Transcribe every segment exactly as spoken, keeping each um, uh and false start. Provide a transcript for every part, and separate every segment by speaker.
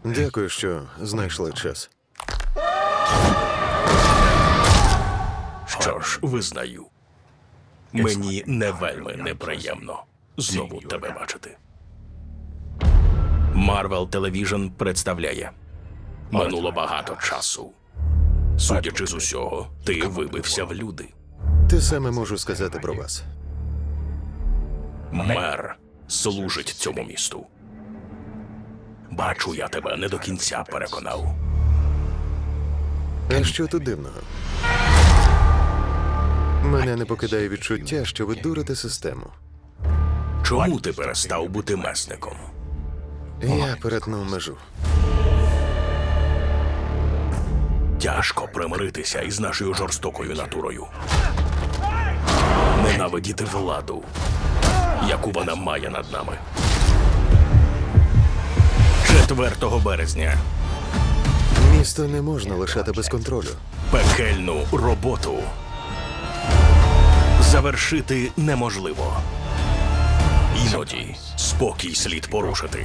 Speaker 1: Дякую, що знайшли час.
Speaker 2: Що ж, визнаю. Мені не вельми неприємно знову тебе бачити. Marvel Television представляє. Минуло багато часу. Судячи з усього, ти вибився в люди.
Speaker 1: Те саме можу сказати про вас.
Speaker 2: Мер служить цьому місту. Бачу, я тебе не до кінця переконав.
Speaker 1: А що тут дивного? Мене не покидає відчуття, що ви дурите систему.
Speaker 2: Чому ти перестав бути месником?
Speaker 1: Я перетнув межу.
Speaker 2: Тяжко примиритися із нашою жорстокою натурою. Ненавидіти владу, яку вона має над нами. четвертого березня.
Speaker 1: Місто не можна лишати без контролю.
Speaker 2: Пекельну роботу завершити неможливо. Іноді спокій слід порушити,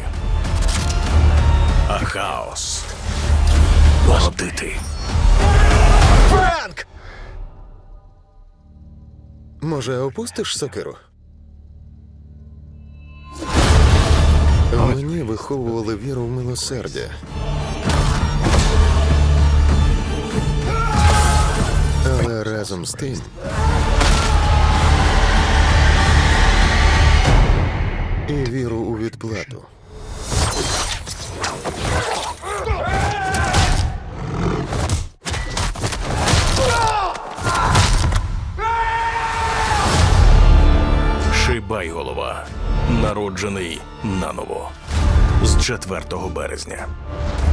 Speaker 2: а хаос породити.
Speaker 1: Франк! Може, опустиш сокиру? Мені виховували віру в милосердя. Але разом з тим і віру у відплату.
Speaker 2: Шибайголова. Народжений наново. З четвертого березня.